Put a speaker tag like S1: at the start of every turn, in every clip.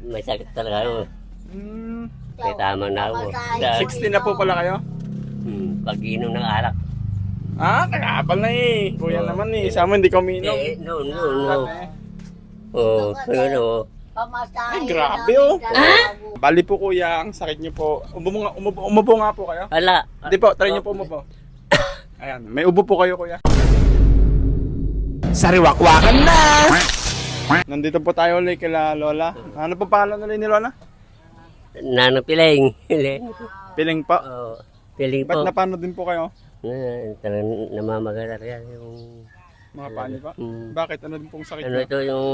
S1: may sakit talaga ako. Kaya tama na ako.
S2: 60 na po pala kayo?
S1: Pag-inom ng alak.
S2: Kaya pala eh. Kuya
S1: Oo.
S2: naman eh. Sa amin hindi kami inom.
S1: No.
S2: Grabe.
S1: Oo, ano.
S2: Ay, grabe oh. Bali po kuya, ang sakit niyo po. Umupo nga po kayo.
S1: Wala.
S2: Hindi po, try niyo po umupo. Ayan, may ubo po kayo kuya.
S3: Sariwakwakan na!
S2: Nandito po tayo ulit kila Lola. Ano po pangalan ulit ni Lola?
S1: Nano Piling.
S2: Piling po.
S1: Oo, Piling
S2: Ba't
S1: po.
S2: napano din po kayo?
S1: Talagang namamaga talaga yung...
S2: Mga paano pa?
S1: Mm.
S2: Bakit? Ano din pong sakit
S1: Ano
S2: niyo?
S1: ito yung...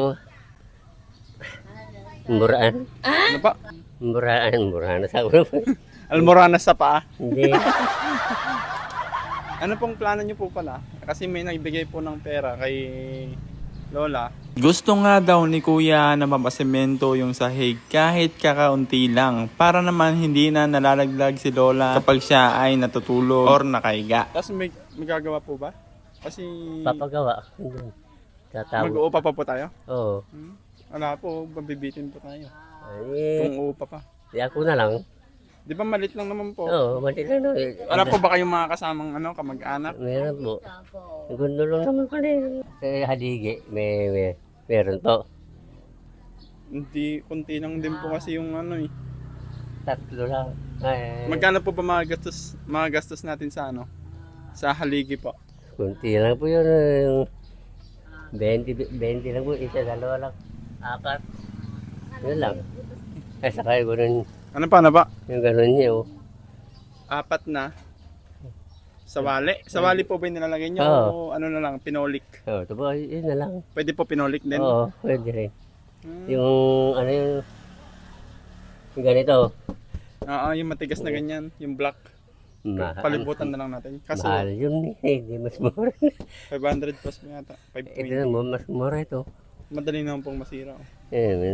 S1: Muraan.
S2: Ano pa?
S1: Muraan sa ulo.
S2: Almoranas sa paa.
S1: Hindi.
S2: Ano pong plano niyo po pala? Kasi may nagbigay po ng pera kay Lola.
S3: Gusto nga daw ni Kuya na mapasemento yung sahig kahit kakaunti lang para naman hindi na nalalaglag si Lola kapag siya ay natutulog or nakahiga.
S2: Tapos may gagawa po ba? Kasi
S1: Papagawa. Tatawag.
S2: mag-uupa pa po tayo?
S1: Oo.
S2: Wala po, babibitin po tayo.
S1: Ay,
S2: Kung uupa pa.
S1: di ako na lang.
S2: Di ba malit lang naman po?
S1: Oo, mali lang. No.
S2: Wala po ba kayong mga kasamang kamag-anak?
S1: Meron po. Gundo lang naman pala yun. Haligi, meron po.
S2: Hindi, kunti lang din po kasi yung
S1: Tatlo lang. Ay,
S2: Magkano po ba mga gastos natin sa sa haligi po?
S1: kunti lang po yun. Yung 20 lang po. Isa, dalawa lang. 4. Yun lang. Ay, saka yung ganun.
S2: Ano ba?
S1: Yung ganun niya, oh.
S2: 4 na. Sawali? Sawali po ba yung nilalagay niyo? O
S1: Oo.
S2: ano na lang, pinolik?
S1: Oh, ito po, yun na lang.
S2: Pwede po pinolik din?
S1: Oo, pwede rin.
S2: Hmm.
S1: Yung, yung ganito.
S2: Oo, yung matigas na ganyan, yung black. Palibutan na lang natin. Kaso
S1: Mahal yun eh, hindi mas mura.
S2: 500 plus mo yata.
S1: Ito
S2: 520.
S1: na, mas mura ito.
S2: Madali naman pong masira.
S1: Eh, may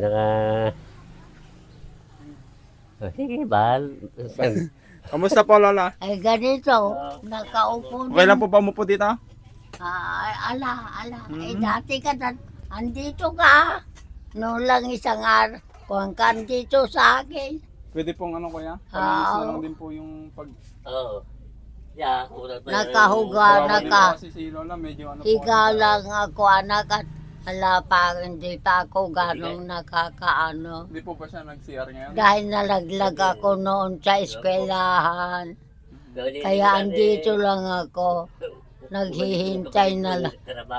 S1: Oh, sige, bahal.
S2: Kamusta po Lola?
S4: Ay ganito, nakaupo
S2: Okay lang po ba umupo dito?
S4: ala. Dati ka andito ka. Noon lang isang araw. Kung ka andito sa akin.
S2: Pwede pong kuya? Palinis na lang din po yung pag...
S1: Oo. Yeah,
S4: Nakahuga na
S2: Kawawa din
S4: ka.
S2: po kasi si Lola, medyo
S4: Higa lang ako anak at ala pa, hindi pa ako ganong nakakaano.
S2: Hindi po ba siya nag-CR ngayon?
S4: Dahil nalaglag ako noon sa eskwelahan. Kaya andito lang ako. Naghihintay na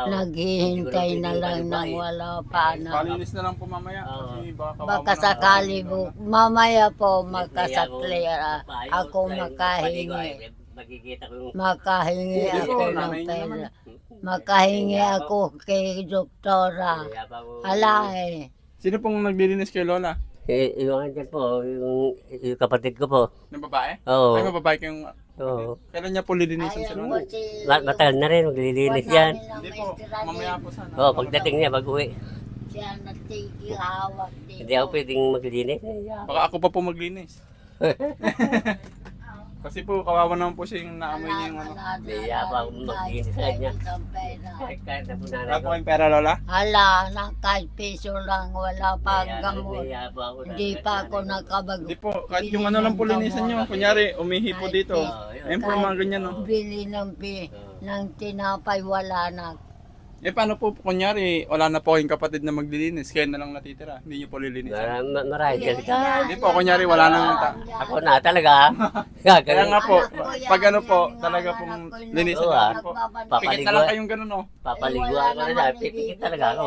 S4: lang nang wala pa na.
S2: Palinis na lang po mamaya kasi baka kawawa
S4: Baka
S2: na-
S4: sakali mamaya po makasakli ako makahingi.
S1: Magkikita ko yung...
S4: Makahingi
S2: Hindi
S4: ako
S2: po,
S4: ng
S2: nanay niyo naman.
S4: pera. Makahingi ako kay doktora. Hala eh.
S2: Sino pong naglilinis kay Lola?
S1: Yung andyan po, yung kapatid ko po.
S2: Ng babae?
S1: Oo.
S2: Ay, mababae kayong...
S1: Oo.
S2: Kailan niya po lilinisan si Lola?
S1: Matagal na rin, maglilinis yan.
S2: Hindi po, mamaya po sana.
S1: Oo, pagdating niya, pag-uwi.
S4: Siya natigihawak dito.
S1: Hindi ako pwedeng maglinis.
S2: Baka ako pa po maglinis. Kasi po, kawawa naman po siya yung naamoy niya yung
S1: Kaya pa ako maglinis sa kanya. Kahit na po nanay
S2: Wala
S1: ko.
S2: po kayong pera, Lola?
S4: Hala, ng kahit piso lang, wala pa gamot.
S1: Kaya po ako
S4: Hindi pa ako nakabago.
S2: Hindi po, kahit yung lang po linisan nyo. Kunyari, umihi po dito. Ayun po yung mga ganyan, no?
S4: Bili ng tinapay, wala na.
S2: Eh, paano po, kunyari, wala na po kayong kapatid na maglilinis, kaya na lang natitira. Hindi nyo po lilinisan.
S1: Marahil ka.
S2: Hindi po, kunyari, wala nang...
S1: Ako na talaga.
S2: Kaya
S1: Gagawin.
S2: nga po, pag ano po, talaga pong linisan
S1: Oo,
S2: natin po.
S1: Papaligo.
S2: Pikit na lang kayong ganun, no?
S1: Papaliguan ko na lang. Pipikit talaga ako.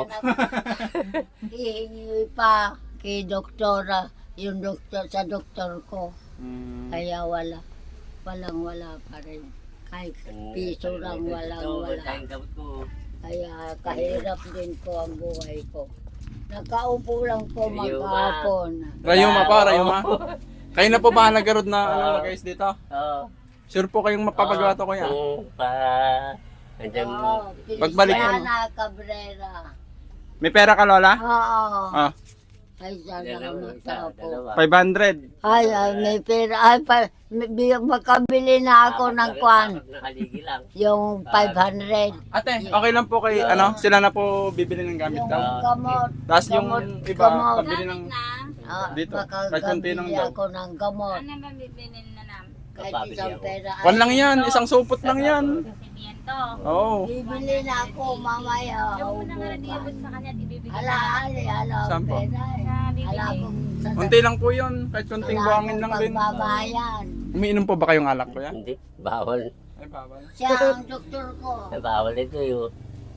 S4: Hihingi pa kay doktora, yung doktor sa doktor ko. Kaya wala pa rin. Kahit piso lang, wala.
S1: Tayong gamot ko.
S4: Kaya kahirap din ko ang buhay ko. Nakaupo lang po
S1: Rayuma.
S4: maghapon.
S2: Rayuma pa, Rayuma. Kayo na po ba nagarod na guys dito?
S1: Oo.
S2: Sure po kayong mapapagawa to kuya?
S1: Andyan,
S2: Pagbalik
S4: ko
S2: mo.
S4: na Cabrera.
S2: May pera ka, Lola?
S4: Oo.
S2: Ah.
S4: Ay, sana ka matapo.
S1: Dalawa.
S2: 500.
S4: Ay, may pera. Ay, makabili na ako ng kwan.
S1: Nakaligi lang.
S4: Yung 500.
S2: Ate, okay lang po kay sila na po bibili ng gamit
S4: Yung
S2: daw.
S4: gamot.
S2: Tapos yung
S4: gamot,
S2: iba,
S4: gamot.
S2: pabili ng dito. Kahit konti lang
S4: Makakabili
S2: daw.
S4: ako ng gamot.
S5: Ano ba bibilin na namin?
S4: Kahit
S1: Kapabili
S4: isang
S1: ako.
S4: pera.
S2: Kwan lang yan, isang supot lang yan.
S5: Simiento.
S2: Oo.
S4: Bibili na ako mamaya.
S5: Yung muna nga nag-iabot sa kanya at ibibigay
S4: Hala, hala,
S2: Saan po?
S4: pera. Hala
S5: bibili.
S4: akong sa-
S2: Konti lang po yun, kahit konting
S4: wala
S2: buhangin
S4: akong
S2: lang din.
S4: pagbabayan.
S2: Umiinom po ba kayong alak ko yan?
S1: Hindi, bawal.
S2: Ay, bawal.
S4: Siya ang doktor ko.
S1: Ay, bawal ito yung...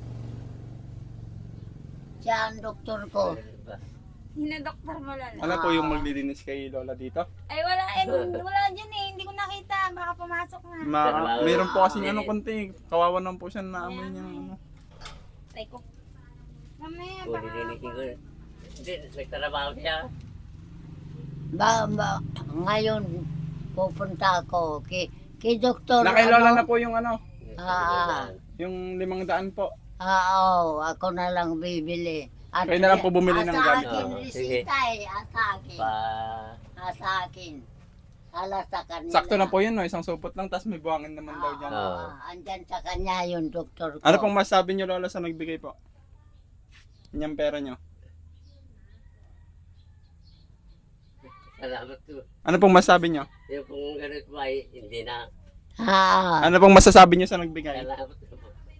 S4: Siya ang doktor ko.
S5: Hinadoktor mo lang.
S2: Ano po yung maglilinis kay Lola dito?
S5: Ay wala wala dyan eh. Hindi ko nakita. Baka pumasok na.
S2: Mayroon po kasing konti. Kawawa naman po siya na amoy niya.
S5: Try ko. Mamaya
S1: Kung
S5: baka.
S1: nilinisin ko. Hindi, nagtrabaho siya.
S4: Ngayon, pupunta ako kay doktor.
S2: Na kay Lola na po yung yung 500 po.
S4: Oo, ako na lang bibili. At
S2: Kayo na lang po bumili ng
S4: Sa
S2: gamit.
S4: akin,
S1: Oo, sige.
S4: resita eh. Sa akin.
S1: Pa...
S4: Sa akin. Hala sa kanila.
S2: Sakto na po yun, no? Isang supot lang, tapos may buhangin naman daw dyan.
S1: Oo.
S4: Andyan sa kanya yung doktor ko.
S2: Ano pong masabi niyo, Lola, sa nagbigay po? Yung pera niyo.
S1: Salamat po.
S2: Ano pong masabi niyo?
S1: Yung kung ganun po ay hindi na.
S2: Ano pong masasabi niyo sa nagbigay?
S1: Salamat po.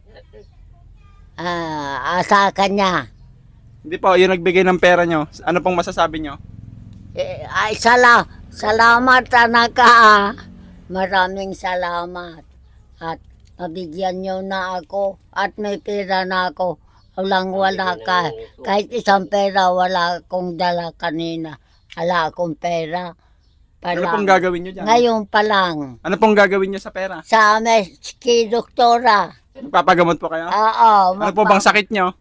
S4: Sa kanya.
S2: Hindi po, yung nagbigay ng pera niyo. Ano pong masasabi niyo?
S4: Ay, salamat anak ka. Maraming salamat. At nabigyan niyo na ako. At may pera na ako. Wala ka. Kahit isang pera, wala akong dala kanina. Wala akong pera.
S2: Ano pong gagawin niyo dyan?
S4: Ngayon pa lang.
S2: Ano pong gagawin niyo sa pera?
S4: Sa kay doktora.
S2: Papagamot po kayo?
S4: Oo.
S2: Ano po bang sakit niyo?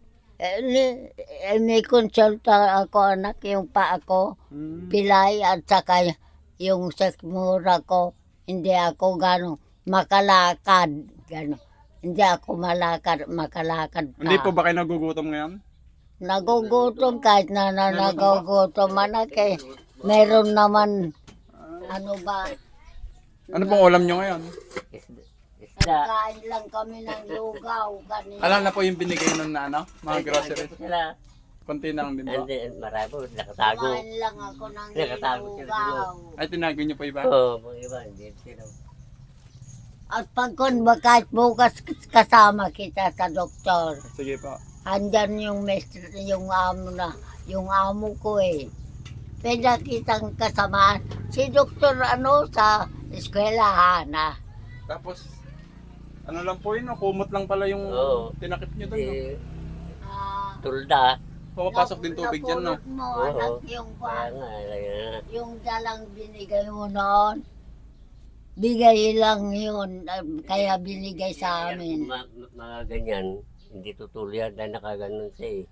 S4: May konsulta ako anak, yung pa ako. Pilay at saka yung sekmura ko. Hindi ako gano'ng makalakad. Gano'n. Hindi ako makalakad pa.
S2: Hindi po ba kayo nagugutom ngayon?
S4: Nagugutom kahit na nagugutom anak eh. Meron naman, ano ba,
S2: Ano pong ulam niyo ngayon?
S1: Isda.
S4: nagkain lang kami ng lugaw. Ganito.
S2: Alam na po yung binigay nun na mga groceries.
S1: Sila.
S2: Konti na lang din po.
S1: Hindi, marami po. Nakatago.
S4: Kumain lang ako ng
S1: Nakatago sila
S4: lugaw.
S2: Ay, tinago niyo po iba?
S1: Oo, mga iba. Hindi sila.
S4: At pagkon kahit bukas kasama kita sa doktor.
S2: Sige po.
S4: Andyan yung yung amo ko eh. Pwede kitang kasama. Si doktor sa eskwelahan ah.
S2: Tapos, ano lang po yun, kumot lang pala yung
S1: Oo.
S2: tinakip niyo doon. No?
S1: Hindi.
S4: Ah,
S1: Tulda.
S2: Pumapasok din tubig dyan, no?
S4: napulot mo
S1: Oo.
S4: anak yung
S1: Kaya nga, kaya.
S4: yung dalang binigay mo noon. Bigay lang yun. Kaya binigay sa amin.
S1: Mga ganyan, hindi tutuloy yan dahil nakaganon siya eh.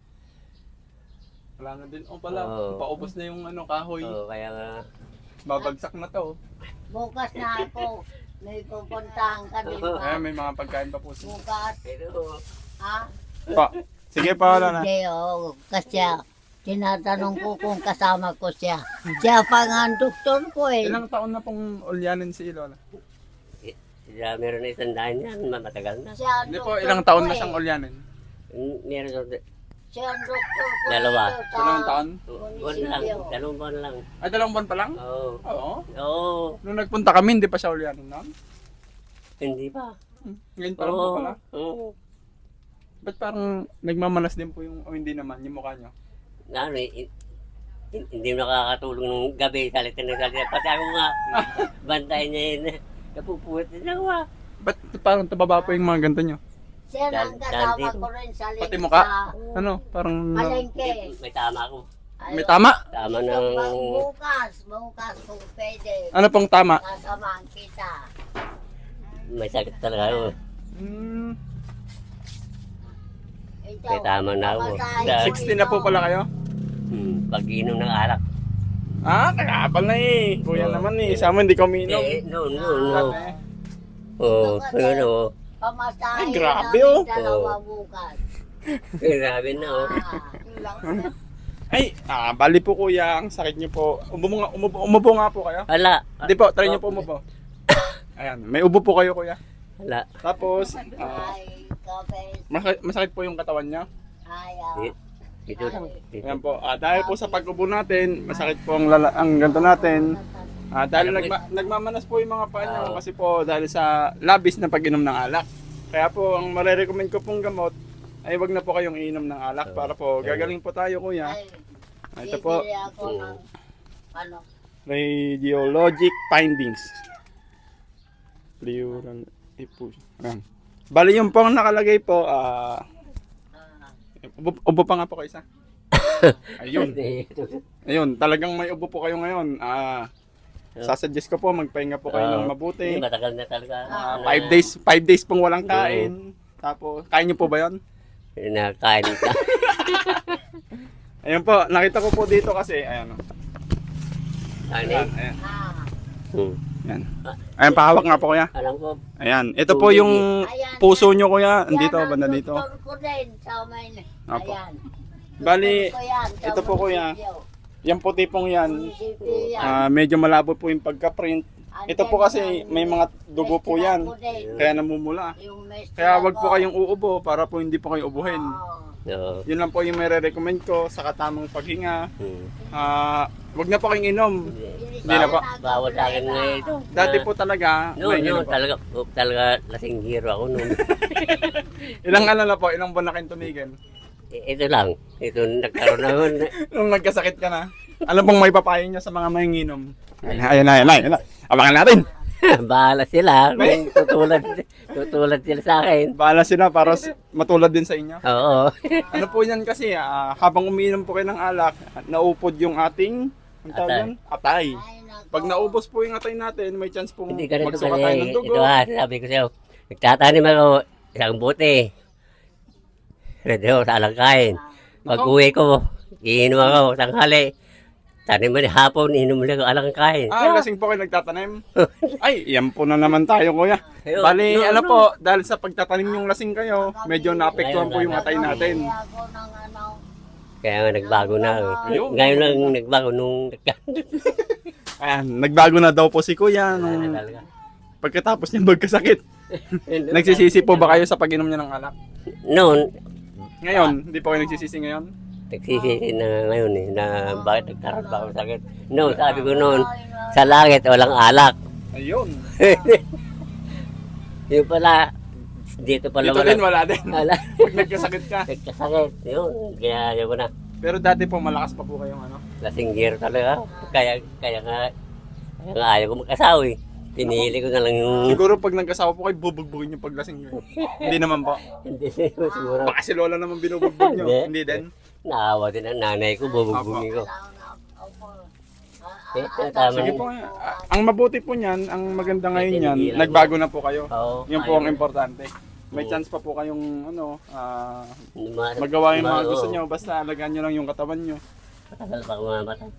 S2: Wala na din. O pala,
S1: Oo.
S2: paubos na yung kahoy.
S1: Oo, kaya nga.
S2: Babagsak na to.
S4: Bukas na ako. May pupuntahan ka din
S2: Ay,
S4: ba?
S2: may mga pagkain pa po.
S4: Bukas.
S1: Pero,
S4: Ha?
S2: Pa. Sige pa, wala na.
S4: Hindi, kasi tinatanong ko kung kasama ko siya. Siya pa nga ang doktor ko eh.
S2: Ilang taon na pong ulyanin si Lola?
S1: sila meron na isang daan yan, matagal na.
S4: Siya ang
S2: Hindi po,
S4: doktor
S2: ilang taon
S4: ko
S2: na
S4: eh.
S2: siyang ulyanin?
S1: Meron na,
S4: Siya ang doktor ko.
S1: Dalawa.
S4: dito sa-
S2: Ilang taon?
S1: buwan lang, 2 buwan lang.
S2: Ay, 2 buwan pa lang?
S1: Oo.
S2: Oo.
S1: Oo,
S2: Nung nagpunta kami, hindi pa siya ulyanin noon?
S1: hindi pa.
S2: Ngayon pa lang po
S1: Oo.
S2: pala.
S1: Oo.
S2: Ba't parang nagmamanas din po yung, o hindi naman, yung mukha niyo?
S1: Ano eh, hindi mo nakakatulong ng gabi, salita na salita. Pati ako nga, bantay niya yun. Napupuwit na ako ah.
S2: Ba't parang tababa po yung mga ganito niyo?
S4: Siya ang kasama
S1: dito.
S4: ko rin sa
S2: Pati
S4: sa
S2: mukha? Ano, parang...
S4: palengke.
S1: May tama ako.
S2: May tama?
S1: Tama
S4: Ito
S1: ng...
S4: pang bukas kung pwede.
S2: Ano pong tama?
S4: Sasamahan kita.
S1: May sakit talaga ako.
S2: Hmm,
S4: Ito,
S1: May tama na ako.
S4: pamasahe ko
S2: 60 na po
S4: ito.
S2: pala kayo?
S1: Pag-inom ng alak.
S2: Ah, kakapal na eh. Kuya
S1: Oo.
S2: naman eh. Sa amin, hindi kami inom.
S1: No.
S2: Grabe.
S1: Oo, ano.
S4: Pamasahe
S2: Ay, grabe,
S4: namin
S2: oh.
S4: dalawa bukas.
S1: Grabe na oh.
S4: Ah,
S2: Ay, bali po kuya, ang sakit niyo po. Umupo nga po kayo.
S1: Hala.
S2: Hindi po, try niyo po umupo. Ayan, may ubo po kayo kuya.
S1: Hala.
S2: Tapos,
S4: Ay, kape.
S2: masakit po yung katawan niya.
S4: Ay,
S1: Dito lang. Dito.
S2: Ayan po, dahil po sa pag-ubo natin, masakit po ang ganto natin. Dahil nagmamanas po yung mga paa niyo kasi po dahil sa labis na pag-inom ng alak. Kaya po, ang marirecommend ko pong gamot ay wag na po kayong iinom ng alak para po gagaling po tayo kuya. Ito po,
S4: bibili ako ng, ano,
S2: radiologic findings. Pleural effusion. Ayan. Bali yung pong nakalagay po, ubo pa nga po kayo isa. Ayun. Ayun, talagang may ubo po kayo ngayon. Sasuggest ko po, magpahinga po kayo ng mabuti.
S1: Matagal na talaga.
S2: 5 days pong walang kain. Tapos, kain niyo po ba yun?
S1: Nakain ka.
S2: Ayun po, nakita ko po dito kasi, ayan o. Ayan, ayan. Ayan. Ayan, pahawak nga po kuya.
S1: Alam ko.
S2: Ayan, ito po yung puso nyo kuya. Andito, banda dito.
S4: Yan ang doktor ko din sa may,
S2: Apo.
S4: ayan.
S2: Bali,
S4: Doktor ko yan, sa
S2: ito po kuya.
S4: munisipyo.
S2: Yung puti pong yan,
S4: Munisipyo yan.
S2: medyo malabo po yung pagka-print. Ito po kasi may mga dugo po yan. Kaya namumula.
S4: Yung
S2: Kaya wag po kayong uubo para po hindi po kayo ubuhin.
S1: Oo.
S2: Yun lang po yung may re-recommend ko sa katamang paghinga.
S1: Hmm.
S2: Wag na po kayong inom. Hindi na po.
S1: Bawal sa akin ngayon ito.
S2: Dati po talaga, may inom po.
S1: talaga lasing hero ako noon.
S2: Ilang ano na po, ilang buwan na kayong tumigil.
S1: Ito lang. Ito nagkaroon naman.
S2: Nung nagkasakit ka na. Ano pong may papayo niya sa mga manginginom? Ayan na. Abangan natin.
S1: Bahala sila. Kung tutulad sila sa akin.
S2: Bahala sila para matulad din sa inyo.
S1: Oo.
S2: Ano po yan kasi, habang umiinom po kayo ng alak, naupod yung ating, ang tawag yan? Atay. Pag naubos po yung atay natin, may chance pong
S1: Hindi ganito
S2: magsuka tayo ng
S1: kasi.
S2: dugo.
S1: Ito sabi ko sa'yo. Nagtatanim ako isang buti. Redo sa alangkain. Pag uwi ko, iinom ako tanghali. Tanim mo hapon, inom ulit ako alangkain.
S2: Lasing po kayo nagtatanim. Ay, yan po na naman tayo kuya.
S1: Ayun.
S2: Bali,
S1: No,
S2: ano
S1: no.
S2: po, dahil sa pagtatanim yung lasing kayo, medyo naapektuhan po yung atay natin.
S4: ako ng ano,
S1: Kaya nga nagbago na.
S2: Ayun.
S1: Ngayon lang nagbago nung
S2: Ayan, nagbago na daw po si kuya nung
S1: talaga.
S2: pagkatapos niya magkasakit. Nagsisisi po ba kayo sa pag-inom niya ng alak?
S1: Noon,
S2: Ngayon, hindi po kayo nagsisisi ngayon?
S1: nagsisisi na ngayon na bakit nagkaroon ba ako ng sakit. Noon, sabi ko noon, sa langit walang alak.
S2: Ayun.
S1: Yung pala, dito pala
S2: Dito din wala din.
S1: Wala.
S2: Pag nagkasakit ka.
S1: Nagkasakit. Yun, kaya ayaw ko na.
S2: Pero dati po malakas pa po kayong ano.
S1: Lasing gear talaga. Kaya nga ayaw ko mag-asawa eh. Pinili ko na lang yung...
S2: Siguro pag nagkasawa po kayo, bubugbugin yung paglasing nyo. Hindi naman po.
S1: Hindi siguro.
S2: Baka si Lola naman binubugbog nyo.
S1: Hindi.
S2: Hindi din.
S1: Naawa din ang nanay ko, bubugbugin ko. Tama
S2: Sige
S1: niyo.
S2: po. Ang mabuti po niyan, ang maganda ngayon yan, nagbago na po kayo.
S1: Oo.
S2: Yun po ang importante. May
S1: Oo.
S2: chance pa po kayong magawa yung mga gusto nyo. Basta alagaan nyo lang yung katawan nyo.
S1: Matagal pa ako mamatay.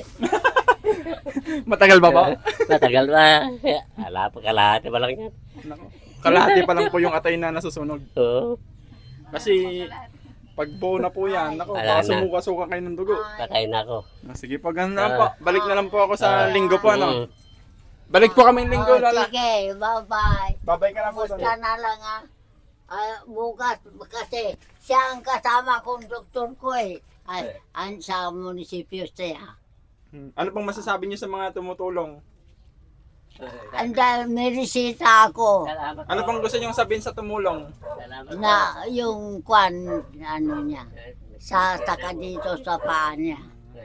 S2: Matagal ba ba?
S1: Matagal pa. Ala pa kalahati pa lang yan.
S2: Naku, kalahati pa lang po yung atay na nasusunog.
S1: Oo.
S2: Kasi pag buo na po yan, naku,
S1: Wala
S2: baka
S1: na.
S2: sumuka-suka kayo ng dugo.
S1: Patay na ako.
S2: Sige po, ganun na po. Balik na lang po ako sa linggo po, ano?
S1: Mm.
S2: Balik po kami linggo, Lola.
S4: Sige, bye-bye.
S2: Babay ka na po.
S4: Basta
S2: Lola.
S4: na lang bukas kasi siya ang kasama kong doktor ko eh. Ay, sa munisipyo siya.
S2: Ano pong masasabi niyo sa mga tumutulong?
S4: Andal, may resita ako
S1: Salamat.
S2: Ano pong gusto niyo sabihin sa tumulong?
S1: Salamat.
S4: na yung kwan, ano niya, sa taka dito sa paa niya.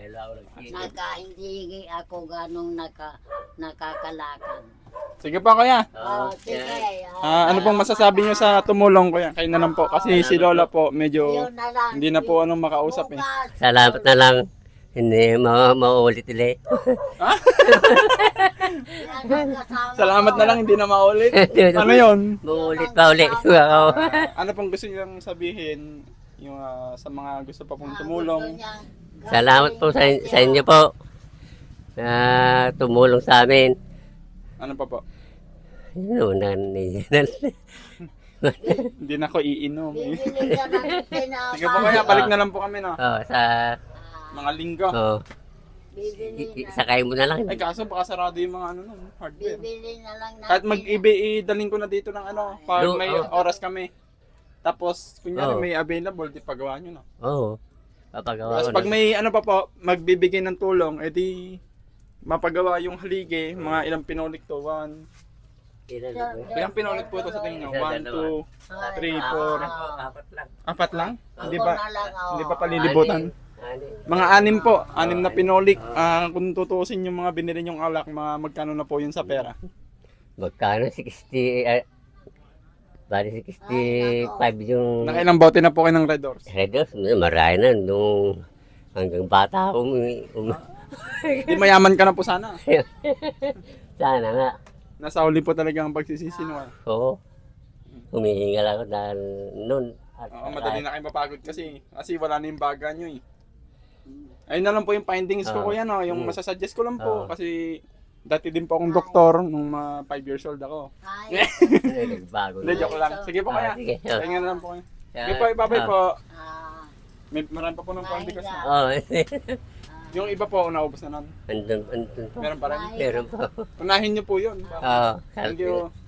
S4: Hindi ako ganong nakakalakad.
S2: Sige pa, kuya.
S4: Oh, sige.
S2: Ano pong masasabi niyo sa tumulong, kuya? Kayo na lang po. Kasi si Lola po, medyo
S4: Yun na lang.
S2: hindi na po anong makausap eh.
S4: Bukas,
S1: Salamat na lang. Hindi mauulit ulit.
S4: yan ang kasama
S2: Salamat
S4: ko.
S2: na lang, hindi na maulit. Ano yon?
S1: Mauulit pa ulit. Ako.
S2: Ano pong gusto niyo sabihin yung, sa mga gusto pa pong
S4: Gusto
S2: tumulong?
S4: niyang
S1: Salamat po sa inyo po na tumulong sa amin.
S2: Ano pa po?
S1: Yun,
S2: Hindi na ako iinom eh.
S4: bibili ka ng tinapay.
S2: Sige po, kaya balik na lang po kami, no?
S1: sa
S2: Mga linggo.
S1: Oo.
S4: Bibili na.
S1: Sakay mo na lang.
S2: Ay kaso baka sarado yung mga ano nun, hardware.
S4: Bibili na lang natin.
S2: Kahit mag-eBay, dalhin ko na dito ng ano, pag
S1: Do-
S2: may
S1: oh.
S2: oras kami. Tapos, kunyari
S1: Oh.
S2: may available, di pagawa nyo na.
S1: Oo. Papagawa
S2: Tapos
S1: ko
S2: pag
S1: na.
S2: may ano pa po, magbibigay ng tulong, edi mapagawa yung haligi, mga ilang pinolik to, 1.
S1: Ilan na po?
S2: Ilang pinolik po ito sa tingin nyo? 1, 2, 3, 4.
S1: Apat lang.
S2: 4 lang? Hindi
S4: Ako
S2: ba?
S4: na lang, oh.
S2: Hindi ba palilibutan?
S1: Ani.
S2: Mga 6 po, 6 na pinolik. Kung tutusin yung mga binili nyong alak, mga magkano na po yun sa pera?
S1: Magkano? 60... bali 65 yung...
S2: Nakailang bote na po kayo ng Red Doors?
S1: Red Horse, marami na. Nung hanggang bata ako,
S2: Di mayaman ka na po sana.
S1: sana nga.
S2: Nasa huli po talaga ang pagsisisi no.
S1: Oo. Humihingal ako dahil noon. At
S2: Oo, madali na kayo mapagod kasi wala na yung baga nyo eh. Ayun na lang po yung findings ko kuya no, yung masasuggest ko lang po kasi dati din po akong doktor nung 5 years old ako.
S4: Ay,
S1: Nagbago
S2: Hindi,
S1: na.
S2: joke lang. Sige po kaya.
S1: Sige.
S2: Tingnan na lang po kayo. Sige po, ibabay po.
S4: ah,
S2: May marami pa po ng konti kasi.
S1: Oo.
S2: Yung iba po, naubos na nun.
S1: Andun pa.
S2: Meron pa rin.
S1: Meron pa.
S2: Unahin nyo po yun.
S1: Oo.
S2: Thank you.